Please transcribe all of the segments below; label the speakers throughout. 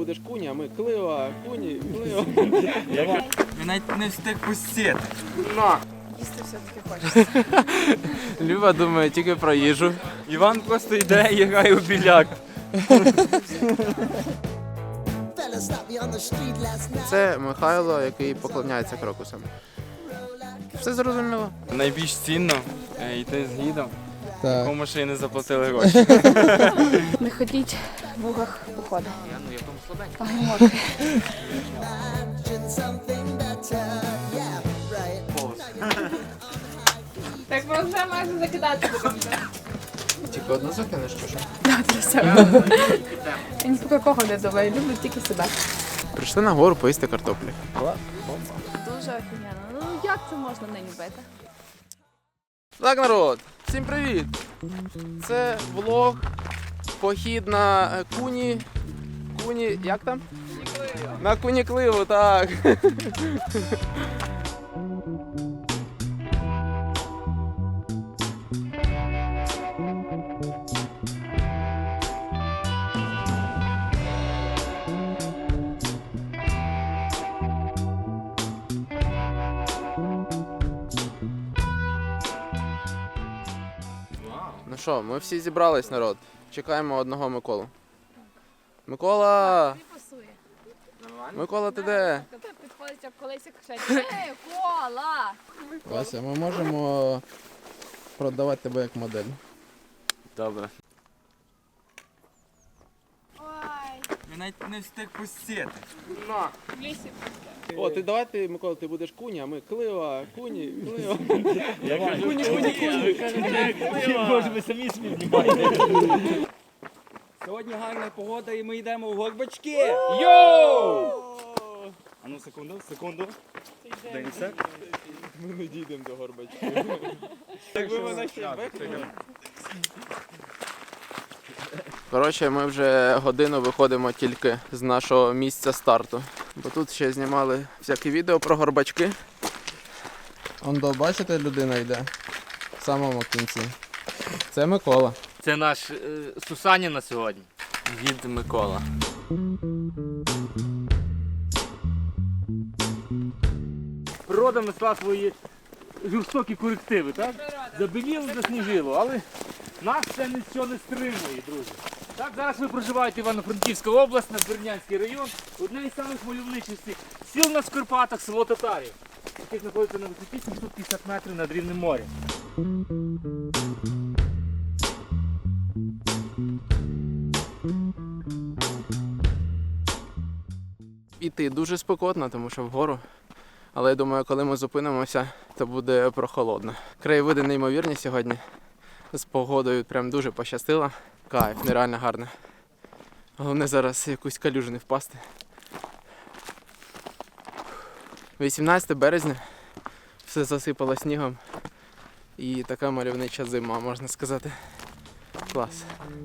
Speaker 1: будеш куні, а ми клива, куні, клива.
Speaker 2: Він навіть не встиг пустити.
Speaker 3: Їсти все-таки хочеться.
Speaker 1: Люба думає тільки про їжу.
Speaker 2: Іван просто йде і грає у біляк.
Speaker 1: Це Михайло, який поклоняється крокусам. Все зрозуміло?
Speaker 2: Найбільш цінно йти з гідом,
Speaker 1: Так.
Speaker 2: кому ще й не заплатили гроші.
Speaker 3: Не ходіть в лугах походу.
Speaker 2: Ну, я тому слабенький.
Speaker 3: Ой, мокрий. Так ми вже майже закидати будемо.
Speaker 1: Тільки одну закинеш, чи що?
Speaker 3: Так, для себе. Я ні про кого не думаю, люблю тільки себе.
Speaker 1: Прийшли на гору поїсти картоплі.
Speaker 3: Дуже офігенно. Ну як це можна не любити?
Speaker 1: Так, народ, всім привіт! Це влог, похід на куні, як там? На кунікливу, так. Ну що, ми всі зібрались, народ. Чекаємо одного Миколу. Микола!
Speaker 3: пасує.
Speaker 1: Микола, ти де?
Speaker 3: Коли підходить об колись і кричать: «Ей, кола!»
Speaker 1: Вася, ми можемо продавати тебе як модель.
Speaker 2: Добре.
Speaker 3: Ой,
Speaker 2: Він навіть не встиг пустити.
Speaker 3: в лісі.
Speaker 1: О, ти давай ти, Микола, ти будеш куні, а ми клива, куні, клива.
Speaker 4: Може, ви самі собі знімаєте. Сьогодні гарна погода і ми йдемо в горбачки. Йоу! А ну секунду. Денise.
Speaker 1: Ми не дійдемо до горбачки. Якби мене ще векнули. Коротше, ми вже годину виходимо тільки з нашого місця старту. Бо тут ще знімали всякі відео про горбачки. Ондо, бачите, людина йде в самому кінці. Це Микола.
Speaker 4: Це наш Сусанін на сьогодні.
Speaker 2: Гід Микола.
Speaker 4: Природа несла свої жорстокі корективи, так? Забіліло, засніжило, але нас це нічого не стримує, друзі. Так, зараз ви проживаєте Івано-Франківська область, Надвірнянський район, одне із самих мальовничих сіл на Скарпатах, село Татарів, яке знаходиться на висоті 750 метрів над рівнем моря.
Speaker 1: Іти дуже спекотно, тому що вгору. Але я думаю, коли ми зупинимося, то буде прохолодно. Краєвиди неймовірні сьогодні. З погодою прям дуже пощастило. Кайф, нереально гарно. Головне зараз якусь калюжу не впасти. 18 березня. Все засипало снігом. І така мальовнича зима, можна сказати. Клас.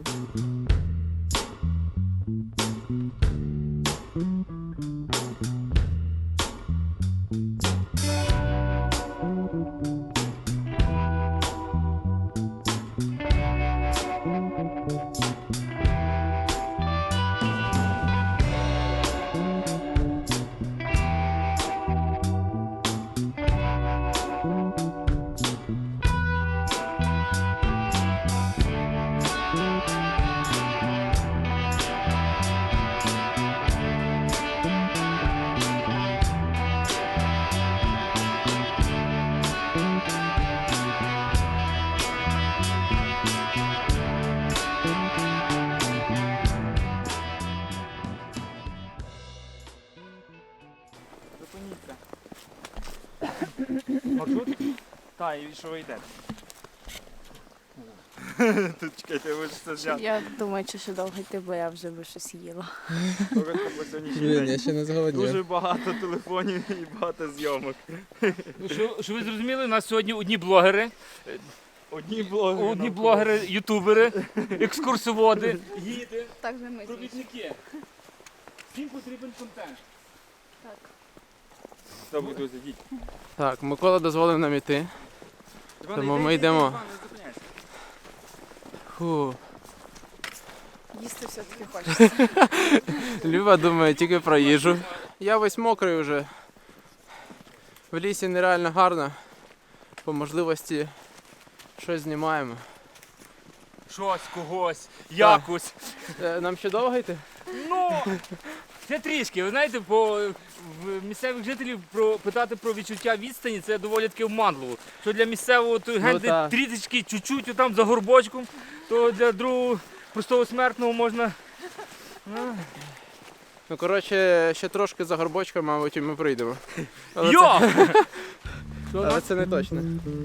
Speaker 4: Маршрут? Так, і що ви йдете?
Speaker 2: Тут чекайте, ви ж це взяли.
Speaker 3: Я думаю, що ще довго йти, бо я вже би щось їла.
Speaker 1: Блін, я ще не зголоднів.
Speaker 2: Дуже багато телефонів і багато зйомок.
Speaker 4: Що ви зрозуміли, у нас сьогодні одні блогери,
Speaker 2: Одні блогери.
Speaker 4: ютубери, екскурсоводи, гіди,
Speaker 3: Так же ми.
Speaker 4: провідники. Всім потрібен контент.
Speaker 3: Так.
Speaker 2: Добре, друзі, йдіть.
Speaker 1: Так, Микола дозволив нам іти. Тому ми йдемо. Фу.
Speaker 3: Їсти все-таки хочеться.
Speaker 1: Люба думає тільки про їжу. Я весь мокрий вже. В лісі нереально гарно. По можливості щось знімаємо.
Speaker 4: Щось, когось, якось.
Speaker 1: Нам ще довго йти?
Speaker 4: Ну, це трішки. Ви знаєте, в місцевих жителів питати про відчуття відстані це доволі таки обманливо. Що для місцевого то генди
Speaker 1: так.
Speaker 4: трішечки чуть-чуть отам за горбочком, то для другого простого смертного можна.
Speaker 1: Ну, коротше, ще трошки за горбочком, мабуть, і ми прийдемо. Але
Speaker 4: Йо!
Speaker 1: але це не точно.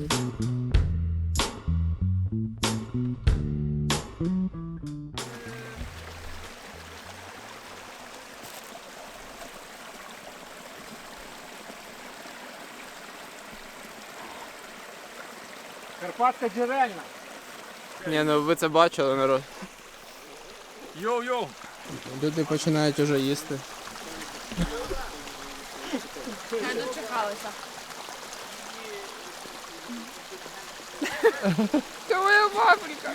Speaker 4: Карпатська джерельна.
Speaker 1: Ні, ну ви це бачили, народ.
Speaker 4: Йоу-йоу.
Speaker 1: Люди починають уже їсти.
Speaker 3: Не дочекалися. Це моя паприка.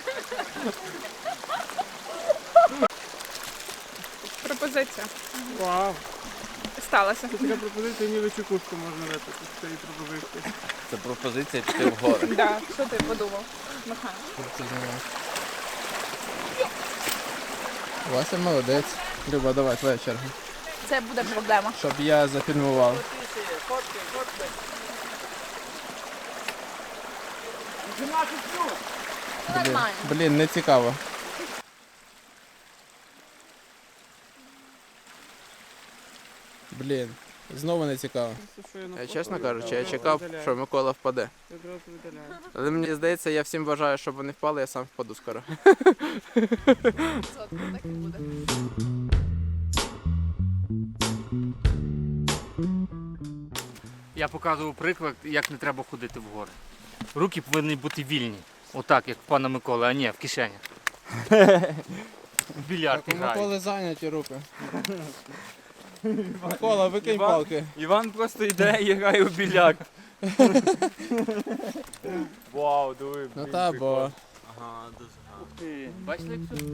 Speaker 3: Пропозиція.
Speaker 2: Вау.
Speaker 3: Сталася.
Speaker 2: Така пропозиція, ніби чекушку можна випити з цієї пропозиції.
Speaker 5: Це пропозиція піти в гори.
Speaker 3: Да. Що ти подумав, Михайло?
Speaker 1: Вася молодець. Люба, давай, твоя черга.
Speaker 3: Це буде проблема.
Speaker 1: Щоб я зафільмував.
Speaker 3: Нормально.
Speaker 1: Блін, не цікаво. Блін, знову не цікаво. Чесно кажучи, я чекав, що Микола впаде. Але мені здається, я всім бажаю, щоб вони впали, я сам впаду скоро.
Speaker 3: Так і буде.
Speaker 4: Я показував приклад, як не треба ходити в гори. Руки повинні бути вільні. Отак, як в пана Миколи, а ні, в кишенях. В більярд
Speaker 1: У
Speaker 4: грають.
Speaker 1: Миколи зайняті руки. Микола, викинь палки.
Speaker 2: Іван просто йде і грає у біляк. Вау, диви.
Speaker 1: Ну та, бо
Speaker 5: Ага, дуже гарно.
Speaker 4: Ух ти, бачите, як все?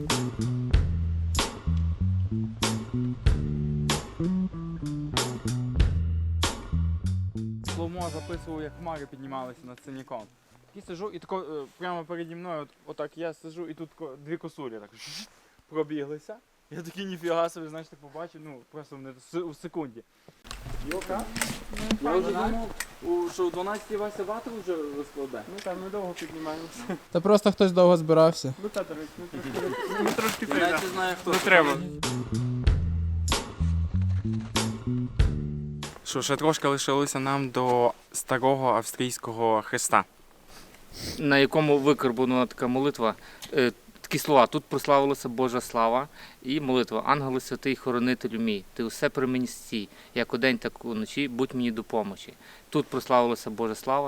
Speaker 2: Слоумо записував, як хмари піднімалися над синяком. І сижу, і тако прямо переді мною, отак я сижу, і тут дві косулі так пробіглися. Я такий ніфіга собі, знаєш, так побачив, ну просто в секунді. Йока? Я вже думав, що у 12 Вася вату вже розкладе. Ну так, ми довго піднімаємося.
Speaker 1: та просто хтось довго збирався.
Speaker 2: Ну так, до речі, ми трошки
Speaker 5: Я навіть не знаю, хто.
Speaker 2: не треба. Що, ще трошки лишилося нам до старого австрійського хреста.
Speaker 4: На якому викарбована така молитва, такі слова. Тут прославилася Божа слава і молитва. Ангели святий, хоронителю мій, ти усе при мені стій, як удень, так уночі, будь мені до помочі. Тут прославилася Божа слава,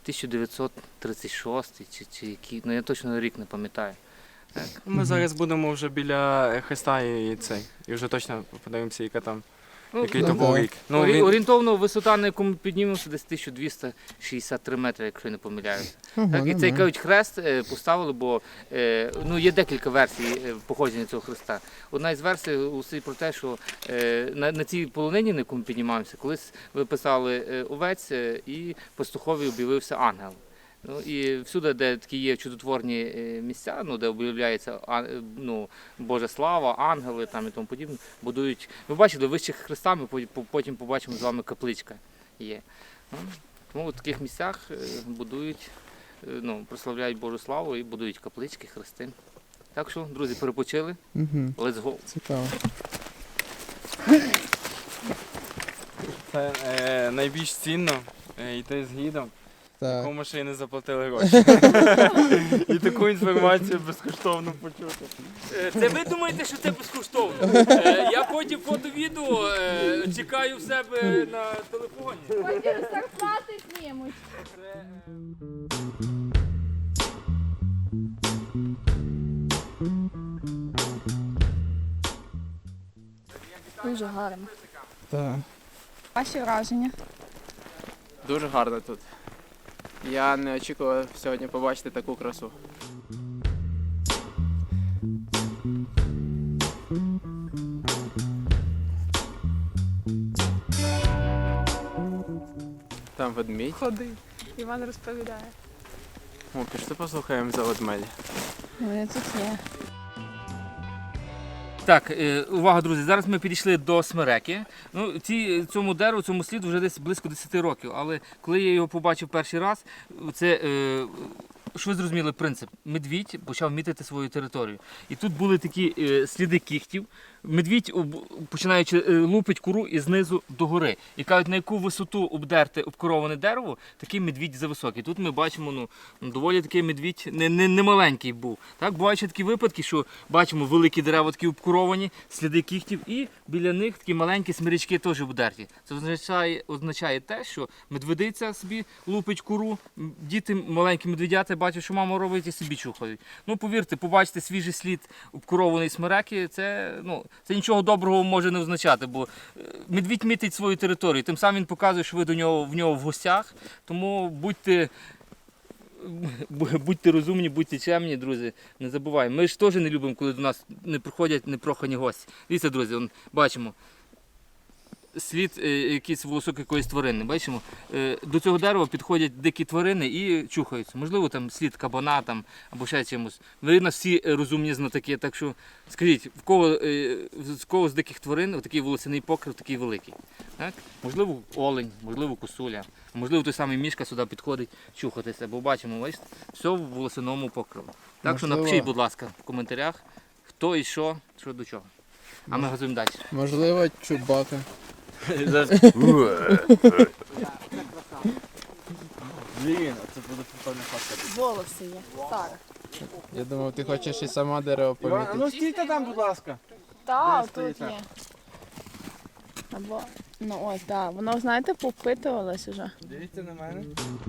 Speaker 4: 1936 чи який, ну я точно рік не пам'ятаю. Так.
Speaker 2: Ми зараз будемо вже біля хреста і цей. І вже точно подивимося, яка там, який то
Speaker 1: ну,
Speaker 2: був
Speaker 1: так.
Speaker 2: рік. Ну, він,
Speaker 4: Орієнтовно висота, на яку ми піднімемося, десь 1263 метри, якщо я не помиляюся. Так, і цей, кажуть, хрест поставили, бо ну, є декілька версій походження цього хреста. Одна із версій усі про те, що на цій полонині, на яку ми піднімаємося, колись виписали овець і пастухові об'явився ангел. Ну, і всюди, де такі є чудотворні місця, ну, де об'являється ну, Божа слава, ангели там, і тому подібне, будують. Ви бачили, вище хреста, ми потім побачимо з вами капличка є. Ну, тому в таких місцях будують, ну, прославляють Божу славу і будують каплички, хрести. Так що, друзі, перепочили.
Speaker 1: Угу.
Speaker 4: Let's go.
Speaker 1: Цікаво.
Speaker 2: це найбільш цінно йти з гідом,
Speaker 1: Так.
Speaker 2: кому ще й не заплатили гроші. І таку інформацію безкоштовно почути.
Speaker 4: Це ви думаєте, що це безкоштовно? Я потім фото-відео чекаю в себе на телефоні.
Speaker 3: Потім зарплати знімуть. Дуже гарно.
Speaker 1: Так.
Speaker 3: Ваші враження?
Speaker 1: Дуже гарно тут. Я не очікував сьогодні побачити таку красу. там ведмідь.
Speaker 3: Ходи. Іван розповідає.
Speaker 1: О, пішли послухаємо за ведмедя.
Speaker 3: Вони тут є.
Speaker 4: Так, увага, друзі, зараз ми підійшли до смереки. Ну, цьому дереву, цьому сліду вже десь близько 10 років, але коли я його побачив перший раз, це, що ви зрозуміли принцип? Медвідь почав мітити свою територію. І тут були такі сліди кігтів. Медвідь, починаючи лупить кору і знизу до гори. І кажуть, на яку висоту обдерте обкороване дерево, такий медвідь зависокий. Тут ми бачимо, ну, доволі такий медвідь не маленький був. Так, бувають ще такі випадки, що бачимо великі дерева такі обкоровані, сліди кігтів, і біля них такі маленькі смирячки теж обдерті. Це означає те, що медведиця собі лупить кору, діти, маленькі медведята бачать, що мама робить, і собі чухають. Ну, повірте, побачити свіжий слід обкорованої смереки, це нічого доброго може не означати, бо медвідь мітить свою територію, тим самим він показує, що ви в нього в гостях, тому будьте розумні, будьте чемні, друзі, не забувайте. Ми ж теж не любимо, коли до нас не приходять непрохані гості. Дивіться, друзі, бачимо слід якийсь волосок якоїсь тварини. Бачимо, до цього дерева підходять дикі тварини і чухаються. Можливо, там слід кабана там, або ще чимось. Ви нас всі розумні знатоки, так що скажіть, в кого з диких тварин такий волосяний покрив такий великий? Так? Можливо, олень, можливо, косуля, можливо, той самий мішка сюди підходить чухатися, бо бачимо, бачите, все в волосяному покриву. Так що
Speaker 1: Можливо.
Speaker 4: напишіть, будь ласка, в коментарях, хто і що до чого. А ми газуємо далі.
Speaker 1: Можливо, Чубака.
Speaker 2: Блін, це буде прикольна фотка.
Speaker 3: Волоси є. Так.
Speaker 1: Я думав, ти хочеш і сама дерево помітити.
Speaker 2: Ну стійте там, будь ласка.
Speaker 3: Так,
Speaker 2: Де
Speaker 3: тут
Speaker 2: стоїть?
Speaker 3: є. Або, ну ось, так. Воно, знаєте, попитувалось уже.
Speaker 2: Дивіться на мене.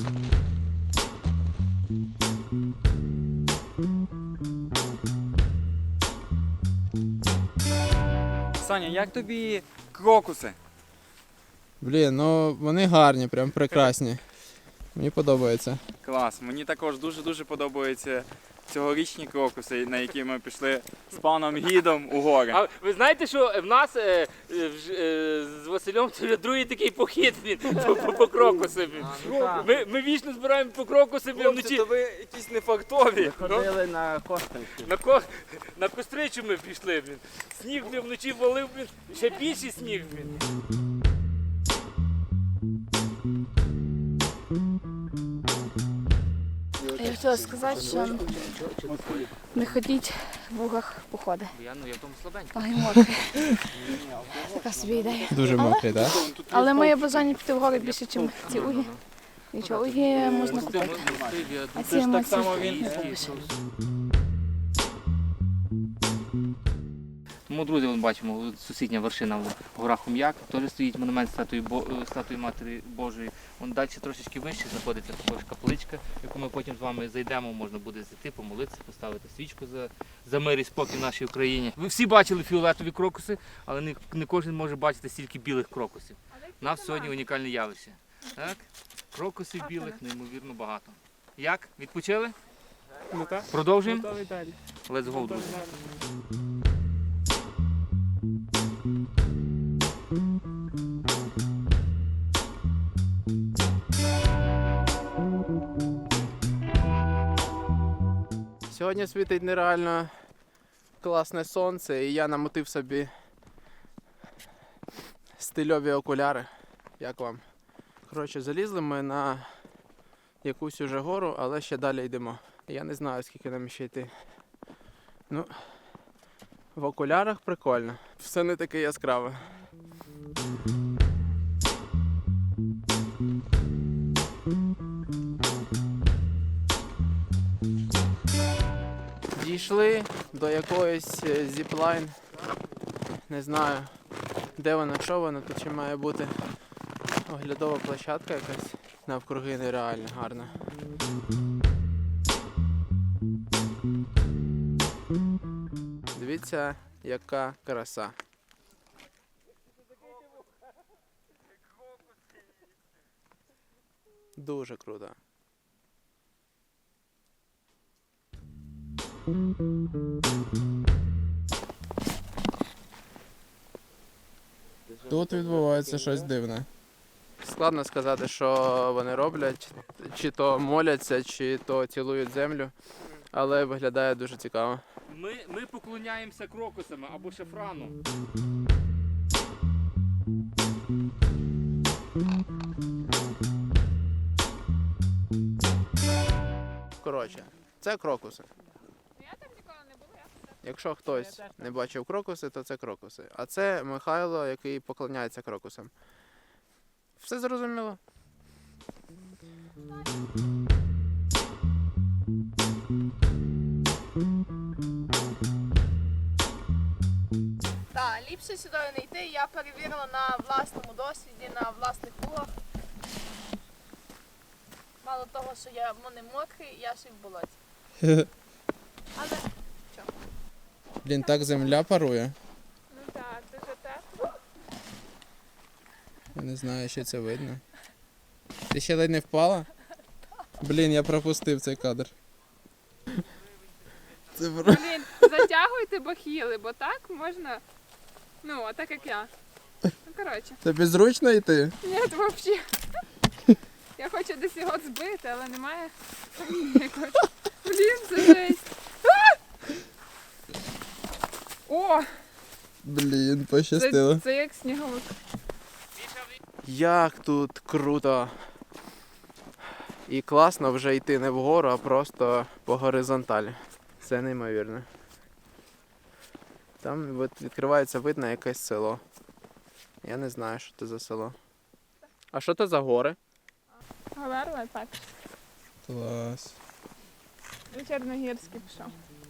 Speaker 2: Саня, як тобі крокуси?
Speaker 1: Блін, ну вони гарні, прям прекрасні. Мені подобається.
Speaker 2: Клас, мені також дуже-дуже подобаються цьогорічні крокуси, на які ми пішли з паном гідом у гори.
Speaker 4: А ви знаєте, що в нас з Василем це вже другий такий похід по крокуси. Ми вічно збираємо по крокуси вночі.
Speaker 2: то ви якісь не фартові.
Speaker 5: Ходили на косточки.
Speaker 4: На костричу ми пішли. Сніг вночі валив, ще більший сніг.
Speaker 3: Я хотіла сказати, що не ходіть в лугах походи.
Speaker 4: Я в тому слабенький.
Speaker 3: Ой, мокрий. Така собі ідея.
Speaker 1: Дуже мокрий, так?
Speaker 3: Але моє бажання піти в гори більше, ніж ці угі. Нічого, угі можна купити. А ці емоції не купиш.
Speaker 4: Тому, друзі, ми бачимо, сусідня вершина в горах Хом'як, теж стоїть монумент статуї Матері Божої. Вон далі трошечки вище знаходиться також капличка, в яку ми потім з вами зайдемо, можна буде зайти, помолитися, поставити свічку за мир і спокій в нашій Україні. Ви всі бачили фіолетові крокуси, але не кожен може бачити стільки білих крокусів. У нас сьогодні унікальне явище. Так? Крокусів білих неймовірно багато. Як? Відпочили? Продовжуємо? Let's go, друзі.
Speaker 1: Сьогодні світить нереально класне сонце, і я намотив собі стильові окуляри. Як вам? Коротше, залізли ми на якусь уже гору, але ще далі йдемо. Я не знаю, скільки нам ще йти. Ну, в окулярах прикольно. Все не таке яскраве. Дійшли до якоїсь зіплайн. Не знаю, де вона, що вона, тут ще має бути оглядова площадка якась. Навкруги нереально гарна. Дивіться, яка краса. Дуже круто. Тут відбувається щось дивне. складно сказати, що вони роблять, чи то моляться, чи то цілують землю, але виглядає дуже цікаво.
Speaker 4: Ми поклоняємося крокусам або шафрану.
Speaker 1: Коротше, це крокуси. Якщо хтось не бачив крокуси, то це крокуси. А це Михайло, який поклоняється крокусам. Все зрозуміло?
Speaker 3: Так, ліпше сюди не йти, я перевірила на власному досвіді, на власних лугах. Мало того, що вони мокрі, я ще й в болоті. Але
Speaker 1: Блін, так земля парує.
Speaker 3: ну так, дуже тепло.
Speaker 1: Я не знаю, що це видно. Ти ще ледь не впала? Блін, я пропустив цей кадр. Це
Speaker 6: Блін, затягуйте бахіли, бо так можна. Ну, а так як я. Ну, коротше.
Speaker 1: Тобі зручно йти?
Speaker 6: Ні, взагалі. Я хочу десь його збити, але немає. якогось. Блін, це жесть. О,
Speaker 1: Блін, пощастило.
Speaker 6: це як сніговик.
Speaker 1: Як тут круто. І класно вже йти не вгору, а просто по горизонталі. Це неймовірно. Там відкривається вид на якесь село. Я не знаю, що це за село. А що це за гори?
Speaker 6: Говерла, так.
Speaker 1: Клас.
Speaker 6: І Чорногірський пішов.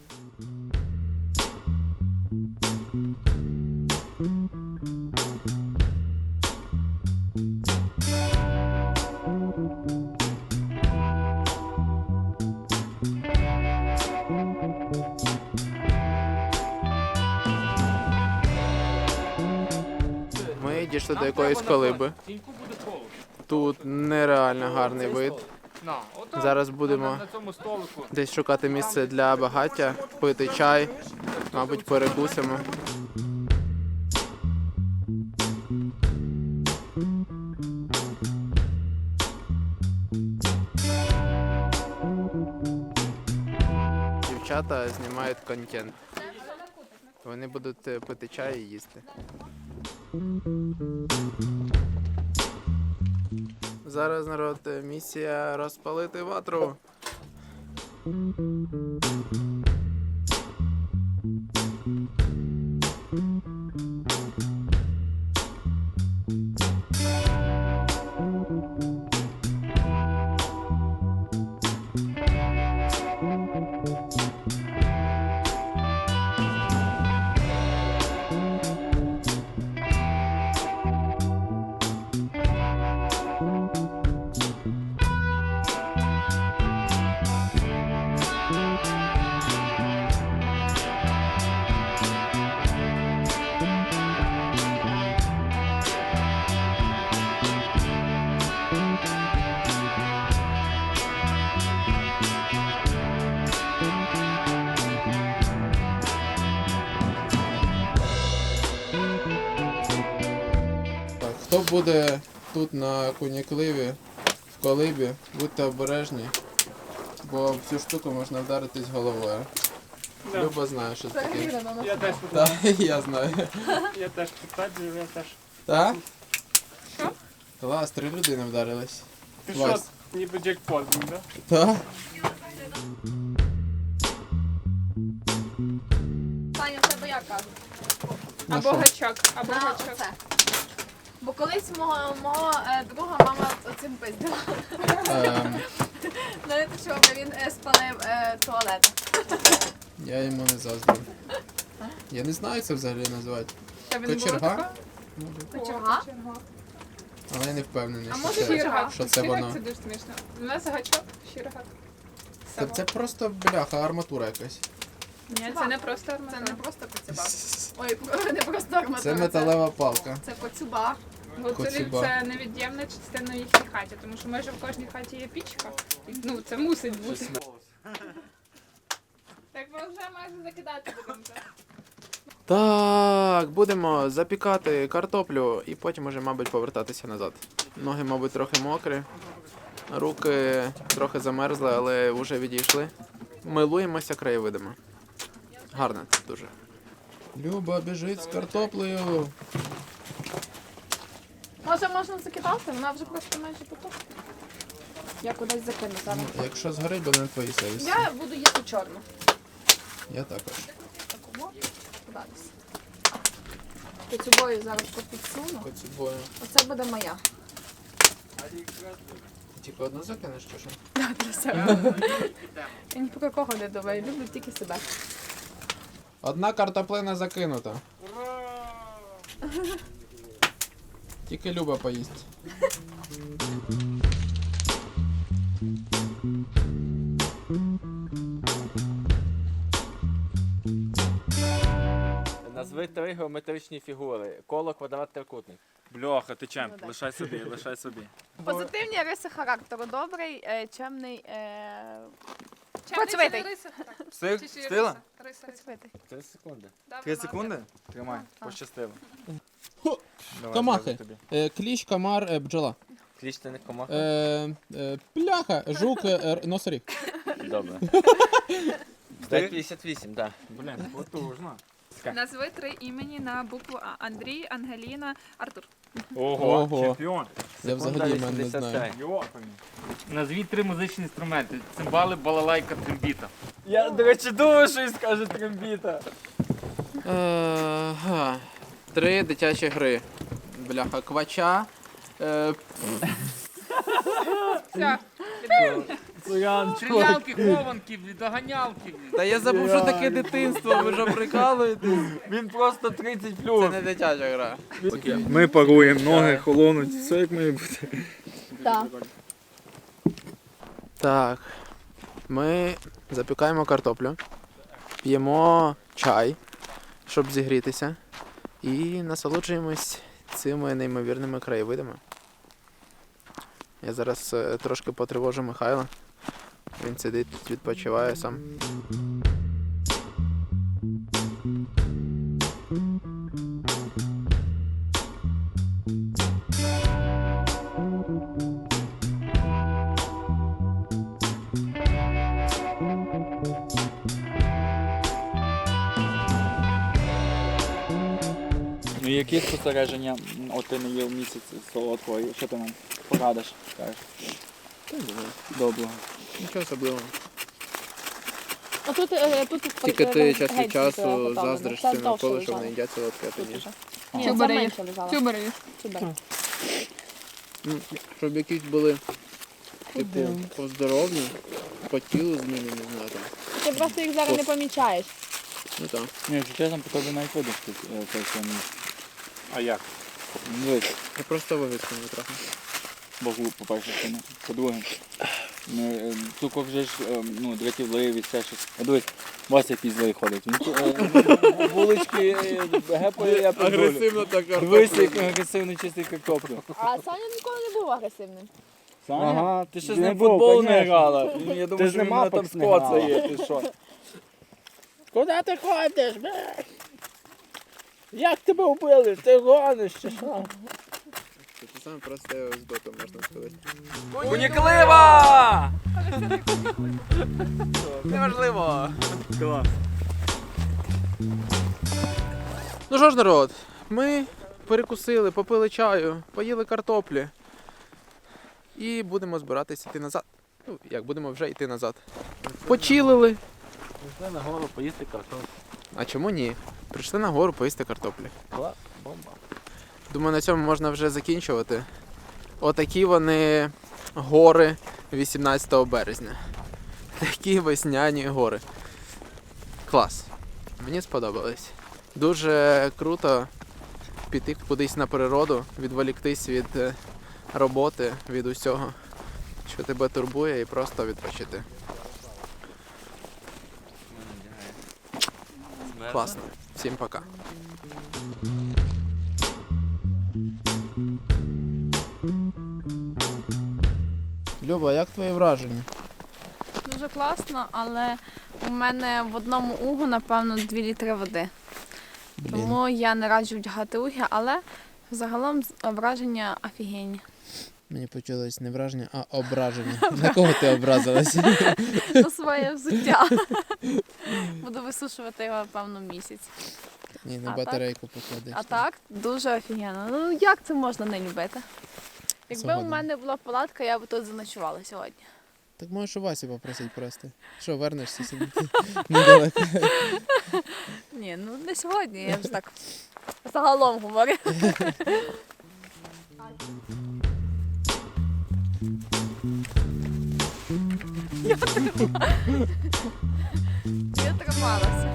Speaker 1: Ми дійшли до
Speaker 4: Нам
Speaker 1: якоїсь
Speaker 4: треба
Speaker 1: колиби.
Speaker 4: накласти. Тіньку буде холодно.
Speaker 1: Тут нереально гарний вид.
Speaker 4: На, отак,
Speaker 1: Зараз будемо
Speaker 4: на цьому столику.
Speaker 1: десь шукати місце для багаття, пити чай, мабуть, перекусимо. Дівчата знімають контент. Вони будуть пити чай і їсти. Зараз, народ, місія розпалити ватру. Так, хто буде тут на кунікливі, в колибі, будьте обережні, бо в цю штуку можна вдаритись головою.
Speaker 2: Да.
Speaker 1: Люба знає, що це таке.
Speaker 2: Я теж
Speaker 1: Так, я знаю.
Speaker 2: я теж підтверджую, я теж.
Speaker 1: Так?
Speaker 6: Що?
Speaker 1: Клас, 3 людини вдарились.
Speaker 2: Ти
Speaker 1: Клас.
Speaker 2: що, ніби джекпот, да?
Speaker 1: Так?
Speaker 3: Таня, в тебе як кажуть?
Speaker 1: На
Speaker 6: Або
Speaker 1: що?
Speaker 6: гачок, або
Speaker 3: На
Speaker 6: гачок.
Speaker 3: оце. Бо колись мого друга мама оцим пиздила. Знаєте, що він спалив туалет.
Speaker 1: Я йому не заздрю. Я не знаю, як це взагалі називати.
Speaker 6: Тебе не було
Speaker 1: Кочерга?
Speaker 6: такого?
Speaker 3: Кочерга?
Speaker 6: О, кочерга.
Speaker 1: Але я не впевнений,
Speaker 6: А
Speaker 1: що
Speaker 6: може
Speaker 1: це,
Speaker 6: щірга?
Speaker 1: що це
Speaker 6: Щірга
Speaker 1: воно.
Speaker 6: це дуже смішно. У нас гачок, щірга.
Speaker 1: Це просто бляха, арматура якась.
Speaker 6: Ні, це не просто
Speaker 3: Це не
Speaker 6: арматура.
Speaker 3: просто коцюба. Ой, не просто арматура.
Speaker 1: Це металева палка.
Speaker 3: Це коцюба.
Speaker 6: Це невід'ємна частина їхній хаті, тому що майже в кожній хаті є пічка. І, ну, це мусить бути. Так ми вже майже закидати будемо.
Speaker 1: Так, будемо запікати картоплю і потім уже, мабуть, повертатися назад. Ноги, мабуть, трохи мокрі, руки трохи замерзли, але вже відійшли. Милуємося краєвидами. Гарно дуже. Люба біжить з картоплею.
Speaker 3: Може, можна закидати? Вона вже просто майже готова. Я кудись закину зараз.
Speaker 1: Якщо згорить, буде на твоїй совісті.
Speaker 3: Я буду їсти чорну.
Speaker 1: Я також.
Speaker 3: Таку податися. Коцюбою зараз попідсуну.
Speaker 1: Коцюбою.
Speaker 3: Оце буде моя.
Speaker 1: Тільки одну закинеш чи що?
Speaker 3: Для себе. Я ні про кого не думаю, люблю тільки себе.
Speaker 1: Одна картоплина закинута. Тільки Люба поїсть.
Speaker 5: Назви 3 геометричні фігури. Коло, квадрат, трикутник.
Speaker 2: Бляха, ти чемп,
Speaker 3: Ну, так.
Speaker 2: лишай собі, лишай собі.
Speaker 3: Позитивні риси характеру. Добрий, чемний,
Speaker 6: Чемний
Speaker 3: Працьовитий.
Speaker 6: чи не риса? Так.
Speaker 2: Встиг?
Speaker 6: Чи ще
Speaker 2: Встигла?
Speaker 6: риса?
Speaker 3: працьовитий.
Speaker 5: 3 секунди.
Speaker 6: Добре,
Speaker 2: 3
Speaker 6: ладно.
Speaker 2: секунди? Тримай, пощастило. Давай,
Speaker 1: Комахи.
Speaker 2: зразу тобі.
Speaker 1: Кліщ, комар, бджола.
Speaker 5: Кліч ти не комаха?
Speaker 1: Пляха, жук, носоріг.
Speaker 5: Добре.
Speaker 2: Ти?
Speaker 5: 5,58, так.
Speaker 2: Блін, потужно.
Speaker 6: Назви 3 імені на букву А. Андрій, Ангеліна, Артур.
Speaker 1: Ого.
Speaker 2: Чемпіон.
Speaker 1: Я взагалі мене не знаю.
Speaker 2: Йопані.
Speaker 4: Назвіть 3 музичні інструменти. Цимбали, балалайка, трембіта.
Speaker 2: Я, до речі, думаю, що він скаже трембіта.
Speaker 1: 3 дитячі гри. Бляха, квача.
Speaker 6: Все.
Speaker 4: Стрілялки, хованки, доганялки.
Speaker 1: Та я забув, що таке дитинство, ви ж прикалуєтесь.
Speaker 2: Він просто 30
Speaker 1: Це
Speaker 2: плюс.
Speaker 1: не дитяча гра.
Speaker 2: Ми паруємо, ноги холонуть, все як має бути.
Speaker 3: Так.
Speaker 1: Так. Ми запікаємо картоплю, п'ємо чай, щоб зігрітися, і насолоджуємось цими неймовірними краєвидами. Я зараз трошки потривожу Михайла. Він сидить, відпочиває сам.
Speaker 2: Ну які спостереження, от ти не їв місяць солодкого, що ти нам порадиш, скажеш? Доброго.
Speaker 1: Нічого особливого.
Speaker 3: А тут,
Speaker 1: Тільки ти час від часу заздриш цим навколо, що вони їдять солодке, а ти ні.
Speaker 3: Ні,
Speaker 6: Тюбери
Speaker 3: це
Speaker 6: є.
Speaker 3: менше лежало.
Speaker 6: Тюбери.
Speaker 3: Тюбери.
Speaker 1: Щоб якісь були, типу, по здоров'ю, по тілу зміни, не знаю там.
Speaker 3: Ти просто їх зараз не помічаєш.
Speaker 1: Ну так.
Speaker 2: Ні, якщо чесно, по тобі навіть видно, що це все не. А як? Дивись,
Speaker 1: Я просто вивісканий трохи.
Speaker 2: Богу, по-перше, це не. По-друге, цукор вже ж, ну, дратівливість, все щось. А дивись, Вася якийсь злий ходить. Він вулички гепає, я подолю.
Speaker 1: так
Speaker 2: Дивись, як агресивно чистий картоплю.
Speaker 3: А Саня ніколи не був агресивним.
Speaker 2: Ага, ти ще з
Speaker 7: Він
Speaker 2: ним
Speaker 7: був,
Speaker 2: футбол не
Speaker 7: конечно.
Speaker 2: грала. Я думаю,
Speaker 7: ж
Speaker 2: що
Speaker 7: не
Speaker 2: він мене
Speaker 7: мапок
Speaker 2: там
Speaker 7: не грала.
Speaker 2: скоцає, ти що.
Speaker 7: Куди ти ходиш? Як тебе вбили? Ти гониш чи що?
Speaker 1: Це саме просте збито, можна сказати.
Speaker 2: Уніклива!
Speaker 1: Неважливо.
Speaker 2: Клас.
Speaker 1: Ну що ж, народ, ми перекусили, попили чаю, поїли картоплі. І будемо збиратися йти назад. Ну, як будемо вже йти назад. Почилили.
Speaker 5: Пішли на гору поїсти картоплю.
Speaker 1: А чому ні? Прийшли на гору поїсти картоплі.
Speaker 5: Клас, бомба.
Speaker 1: Думаю, на цьому можна вже закінчувати. Отакі вони гори 18 березня. Такі весняні гори. Клас. Мені сподобалось. Дуже круто піти кудись на природу, відволіктись від роботи, від усього, що тебе турбує, і просто відпочити. Класно. Всім пока. Люба, як твої враження?
Speaker 3: Дуже класно, але у мене в одному угу, напевно, 2 літри води. Тому я не раджу вдягати угі, але загалом враження офігенні.
Speaker 1: Мені почулось не враження, а ображення. На кого ти образилась?
Speaker 3: На своє взуття. Буду висушувати його, певно, місяць.
Speaker 1: Ні, на
Speaker 3: А
Speaker 1: батарейку покладеш.
Speaker 3: А так, дуже офігенно. Ну як це можна не любити? Якби
Speaker 1: Згоден.
Speaker 3: у мене була палатка, я б тут заночувала сьогодні.
Speaker 1: Так можеш у Васі попросити просто. Що, вернешся собі? Недалеко.
Speaker 3: Ні, ну не сьогодні, я вже так загалом говорю. Я трималася.